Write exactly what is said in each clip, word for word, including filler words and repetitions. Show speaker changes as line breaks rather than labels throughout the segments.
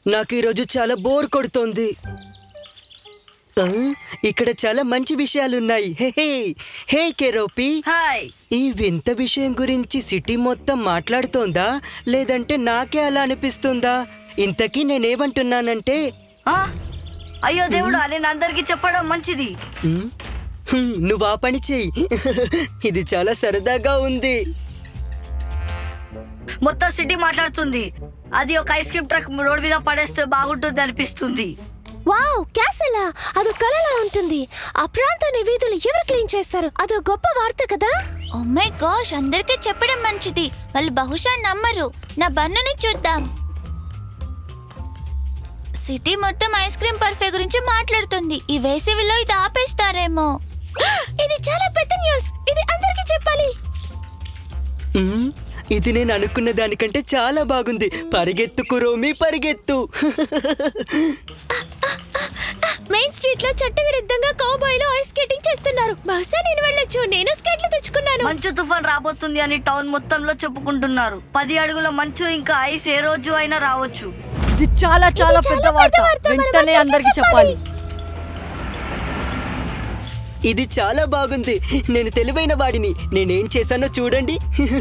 నాకు ఈరోజు చాలా బోర్ కొడుతోంది. ఆ, ఇక్కడ చాలా మంచి విషయాలున్నాయి. హే హే హే కెరోపి,
హాయ్.
ఈ వింత విషయం గురించి సిటీ మొత్తం మాట్లాడుతోందా లేదంటే నాకే అలా అనిపిస్తుందా? ఇంతకీ నేనేమంటున్నానంటే
ఆ? అయ్యో దేవుడా, నేను అందరికి చెప్పడం మంచిది.
హ్మ్, హ్మ్, నువ్వు ఆ పని చెయ్యి. ఇది చాలా సరదాగా ఉంది.
మొత్తం సిటీ మాట్లాడుతుంది. అది ఒక ఐస్ క్రీమ్ ట్రక్ రోడ్ మీద పడేస్తే బాగుంటుంది అనిపిస్తుంది.
వావ్, క్యాసలా అదో కలలా ఉంటుంది. ఆ ప్రాంతాన్ని వీధులు ఎవరు క్లీన్ చేస్తారు? అదో గొప్ప వార్త కదా.
ఓ మై గాష్, అందరికీ చెప్పడం మంచిది. వాళ్ళు బహుశా నమ్మరు. నా బన్నుని చూద్దాం. సిటీ మొత్తం ఐస్ క్రీమ్ పర్ఫే గురించి మాట్లాడుతుంది. ఈ వేసవిలో ఇది ఆపేస్తారేమో.
ఇది చాలా పెద్ద న్యూస్. ఇది అందరికీ చెప్పాలి.
హ్మ్, ఇది నేను అనుకున్న దానికంటే చాలా బాగుంది. పరిగెత్తు కురోమి, పరిగెత్తు.
మెయిన్ స్ట్రీట్ లో చట్టవిరుద్ధంగా కౌబాయ్లు ఐస్ స్కేటింగ్ చేస్తున్నారు. బహుశా నేను వెళ్ళొచ్చు. నేను స్కేట్లు తెచ్చుకున్నాను.
మంచు తుఫాన్ రాబోతుంది అని టౌన్ మొత్తంలో చెప్పుకుంటున్నారు. పది అడుగుల మంచు ఇంకా ఐస్ ఏ రోజు అయినా రావచ్చు.
ఇది చాలా చాలా పెద్ద వార్త. వెంటనే అందరికి చెప్పాలి.
ఇది చాలా బాగుంది. నేను తెలివైన వాడిని. నేనేం చేశానో చూడండి.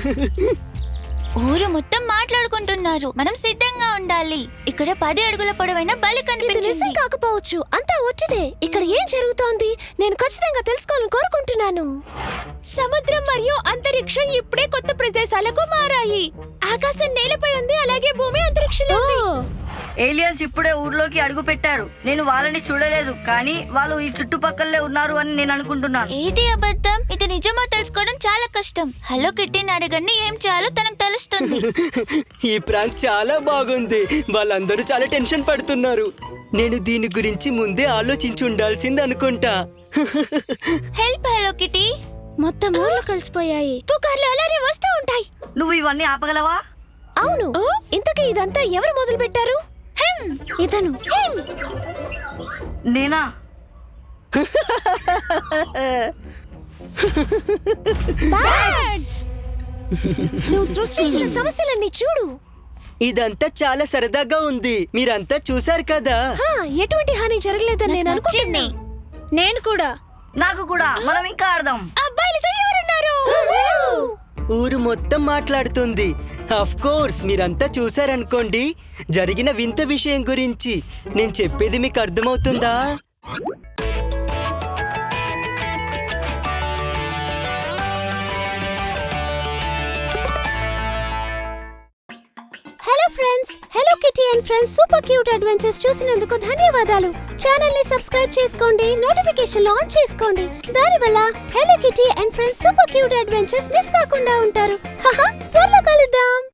ఊరు మొత్తం మాట్లాడుకుంటున్నారు. మనం సిద్ధంగా ఉండాలి. ఇక్కడ పది అడుగుల పొడవైన బలి
ఇది నిజం
కనిపించింది.
కాకపోవచ్చు. అంతా వచ్చిదే. ఇక్కడ ఏం జరుగుతోంది? నేను ఖచ్చితంగా తెలుసుకోవాలని కోరుకుంటున్నాను. సముద్రం మరియు అంతరిక్షం ఇప్పుడే కొత్త ప్రదేశాలకు మారాయి. ఆకాశం నేలపై ఉంది, అలాగే భూమి అంతరిక్షంలో ఉంది.
ఏలియన్స్ ఇప్పుడే ఊర్లోకి అడుగు పెట్టారు. నేను వాళ్ళని చూడలేదు, కానీ వాళ్ళు ఈ చుట్టుపక్కలే ఉన్నారు అని నేను అనుకుంటున్నాను.
ఏది అబద్ధం, ఇది నిజమో తెలుసుకోవడం చాలా కష్టం. హలో కిట్టీని అడగండి, ఏం చేయాలో తనకు తెలుస్తుంది.
ఈ ప్రాంక్ చాలా బాగుంది. వాళ్ళందరూ చాలా టెన్షన్ పడుతున్నారు. నేను దీని గురించి ముందే ఆలోచించి ఉండాల్సింది అనుకుంటా.
Help hello kitty.
మొత్తం ఊర్లు కలిసిపోయాయి. పుకార్లు అలానే వస్తూ ఉంటాయి.
నువ్వు ఇవన్నీ ఆపగలవా?
అవును. ఇంతకీ ఇదంతా ఎవరు మొదలు పెట్టారు? ఇతను.
నేనా?
నువ్వు సృష్టించిన సమస్యలన్నీ చూడు.
ఇదంతా చాలా సరదాగా ఉంది. మీరంతా చూశారు కదా.
హా, ఎటువంటి హాని జరగలేదని నేను అనుకుంటున్నా. నేను కూడా.
నాకు కూడా. మనం ఇంకా ఆడదాం.
అబ్బాయిలతో ఎవరున్నారు?
ఊరు మొత్తం మాట్లాడుతుంది. ఆఫ్ కోర్స్ మీరంతా చూశారనుకోండి జరిగిన వింత విషయం గురించి. నేను చెప్పేది మీకు అర్థమవుతుందా?
Hello friends, hello kitty and friends super cute adventures చూసినందుకు ధన్యవాదాలు. ఛానల్ ని సబ్స్క్రైబ్ చేసుకోండి, నోటిఫికేషన్ ఆన్ చేసుకోండి. దానివల్ల hello kitty and friends super cute adventures miss కాకుండా ఉంటారు. త్వరలో కలుద్దాం.